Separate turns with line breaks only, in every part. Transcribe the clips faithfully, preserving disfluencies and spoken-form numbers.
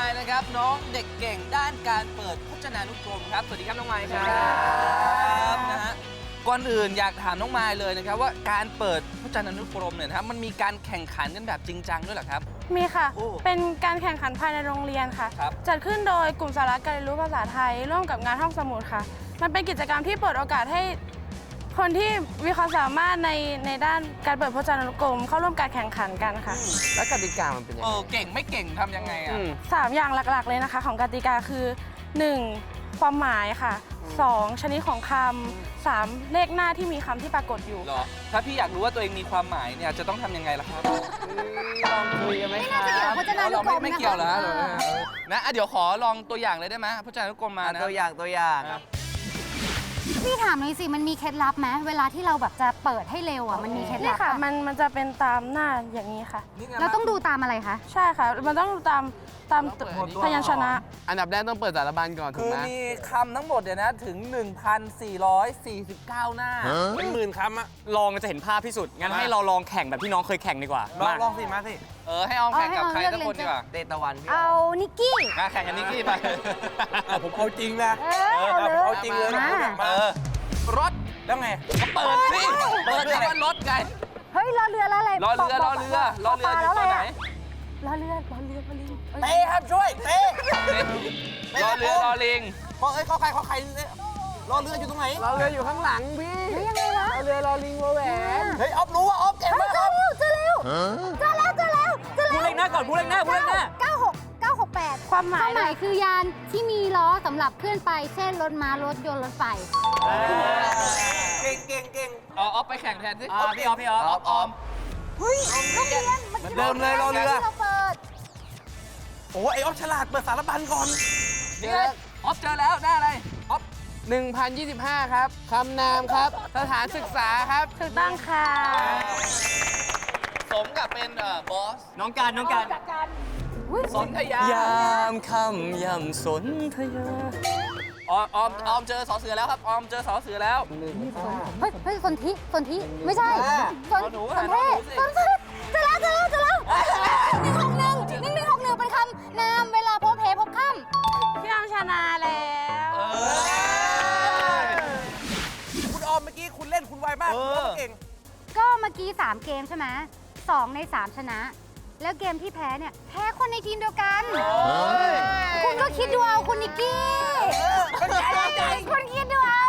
ล์นะครับน้องเด็กเก่งด้านการเปิดพจนานุกรมครับสวัสดีครับน้องไมล์ครับนะฮะก่อนอื่นอยากถามน้องไมล์เลยนะครับว่าการเปิดพจนานุกรมเนี่ยนะครับมันมีการแข่งขันกันแบบจริงจังด้วยเหรอครับ
มีค่ะ
โอ้
เป็นการแข่งขันภายในโรงเรียนค่ะ
ครับ
จัดขึ้นโดยกลุ่มสาระการเรียนรู้ภาษาไทยร่วมกับงานห้องสมุดค่ะ มันเป็นกิจกรรมที่เปิดโอกาสให้คนที่มีความสามารถในในด้านการเปิดพจนานุกรมเข้าร่วมการแข่งขันกันค่ะ
แล้วกติกามันเป็นยัง
เอ
ไง
อเก่งไม่เก่งทำยังไงอ่ะ
อืม
สามอย่างหลักๆเลยนะคะของกติกาคือหนึ่งความหมายค่ะสองชนิดของคำสามเลขหน้าที่มีคำที่ปรากฏอยู่
เหรอถ้าพี่อยากรู้ว่าตัวเองมีความหมายเนี่ยจะต้องทำยังไงล่ะครับ
ลองคุยกันไหมครับ
ไม่น่าจะเกี่ยวกับพจนานุ
เรา
กร
ไม่
ม
ไม่
นะคะ
เกี่ยวเหรอฮะ
เออ
นะอ่ะเดี๋ยวขอลองตัวอย่างเลยได้ไหมพจนานุกรมมานะ
ตัวอย่างตัวอย่าง
พี่ถามหน่อยสิมันมีเคล็ดลับไหมเวลาที่เราแบบจะเปิดให้เร็วอ่ะมันมีเคล็ด
นี่
ลับ
ค่ะ
ปะ
มันมันจะเป็นตามหน้าอย่างนี้ค่ะ
นี่ไ
เราต้องดูตามอะไรคะ
ใช่ค่ะ มันต้องดูตามตามพยัญชนะ
อันดับแรกต้องเปิดสารบัญก่อนถู
คื
ก
อ
ไหม
มีคำทั้งหมดเนี่ยนะถึง หนึ่งพันสี่ร้อยสี่สิบเก้า หน้า
เป็นหมื่นคำอะลองจะเห็นภาพที่สุด งั้นให้เราลองแข่งแบบที่น้องเคยแข่งดีกว่า
ลอง
มา
ลองสิมาสิ เออ ให้ออมแข่งกับ
เอา
ใคร
ให้ออม
สักคน
เลือก
ดีกว่า
เลย
เตตะวันพี่
เอานิกกี้
มาแข่งกับนิกกี้ไป
ผมเอาจริงนะ
เออเอาเลย
เอาจริงเลย
มา
เออ รถ
แล้วไง
ก็เปิดสิ เปิดคำว่ารถไง
เฮ้ยรอเรือแล้วอะไร
รอเรือรอเรือรอเรืออยู่ตัวไหน
รอเรือรอเรือรอเรือ
เต้ครับช่วยเต้
รอเรือรอลิง
พอเอ้ยเขาใครเขาใครเนี่ยรอเรืออยู่ตรงไหน
เราเรืออยู่ข้างหลังพี่
เฮ้ยยังไงวะ
เราเรือรอลิงวอแหวน
เฮ้ยออฟรู้ว่าออฟเก่ง
เฮ้ย
มาก
เจ
ค
อ
รับ
เร็วเจอเร็วเจอแล้วเจอแล้วเจอแล้ว
พูดเลขหน้าก่อนพูดเลขหน้าพูดเลขหน้า
เก้าหกเก้าหกแปด
ความหมาย
ความหมายคือยานที่มีล้อสำหรับเคลื่อนไปเช่นรถม้ารถยนต์รถไฟ
เก่งเก่งเก่ง
เอาออฟไปแข่งแทนสิ
อ่าพี่ออฟพี่ออฟ
ออฟออม
เฮ้ยโรงเรียนมัน
เริ่มเลยรอเรือ
ที่เราเปิด
โอ้ไอออฟฉลาดเปิดสารบัญก่อน
นี่ไงออฟเจอแล้วได้อะไรออฟ
หนึ่งพันยี่สิบห้าครับคำนามครับ สถานศึกษาครับ
ถูกต้องค่ะ
สมกับเป็นเอ่อบอส
น้องการน้องการ
สนธยาย
ามค่ำยำสนธยา
ออมออมออมเจอสอเสือแล้วครับออมเจอสอเสือแล้ว
เฮ้ยเฮ้ยสนธิสนธิไม่ใช่สน
หนู
ส
หาน
เท
หนู
ศ
สิ
สนเทศเจอแล้วเจอแล้วเจอแล้วหนึ่งหกหนึ่งหนึ่งหนึ่งหกหนึ่งเป็นคำนามเวลาพบเพพบค่ำ
พี่ออมชนะแล้ว
เออ
คุณออมเมื่อกี้คุณเล่นคุณไวมาก
เอ
คุณ
อ
เก่ง
ก็เมื่อกี้สามเกมใช่ไหมสองในสามชนะ แล้วเกมที่แพ้เนี่ยแพ้คนในทีมเดียวกัน คุณก็คิดดูเอาคุณนิกกี้คุณคิดดูเอา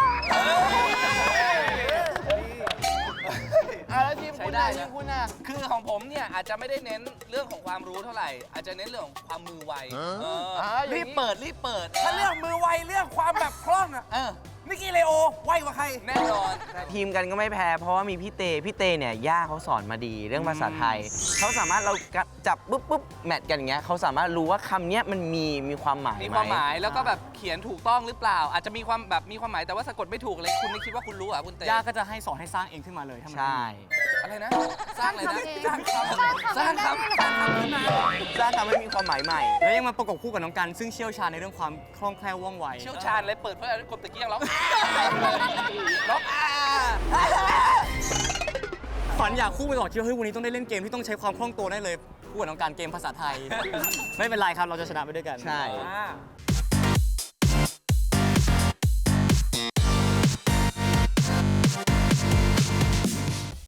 อ่ะแล้วทีม
ใช้
คุณ
ได้
น่ะ
นะ
ทีมคุณน่ะ
คือของผมเนี่ยอาจจะไม่ได้เน้นเรื่องของความรู้เท่าไหร่ อาจจะเน้นเรื่องของความมือไวเออ
อ่าอย่างนี้
รีบเปิดรีบเปิด
ถ้าเรื่องมือไวเรื่องความแบบคล่องอะ
เออ
นิกกี้เลโอไวกว่าใคร
แน่นอน
ทีมกันก็ไม่แพ้เพราะว่ามีพี่เต พี่เตเนี่ยย่าเขาสอนมาดีเรื่องภาษาไทย เขาสามารถเราจับปุ๊บปุ๊บแมทกันอย่างเงี้ยเขาสามารถรู้ว่าคำเนี้ยมันมีมีความหมาย
มี
ไห
ความหมายแล้วก็แบบเขียนถูกต้องหรือเปล่า อาจจะมีความแบบมีความหมายแต่ว่าสะกดไม่ถูกเลยคุณไม่คิดว่าคุณรู้เหรอ่ะคุณเต้
ย่าก็จะให้สอนให้สร้างเองขึ้นมาเลยถ้ามัน
ใช่
อะไรนะ สร้างอะไรนะ
สร้างคำ
สร้างคำ
สร้างคำ
สร้างคำให้มีความหมายใหม่
แล้วยังมาประกบคู่กับน้องกันซึ่งเชี่ยวชาญในเรื่องความคล่องแคล่วว่องไว
เชี่ยวชาญเลยเปิดเพื่อคนตะเกียงร้องร้องอ่า
ฝันอยากคู่ไปก่อนคิดว่าเฮ้ยวันนี้ต้องได้เล่นเกมที่ต้องใช้ความคล่องตัวได้เลยคู่กับน้องการเกมภาษาไทย ไม่เป็นไรครับเราจะชนะไปด้วยกัน
ใช่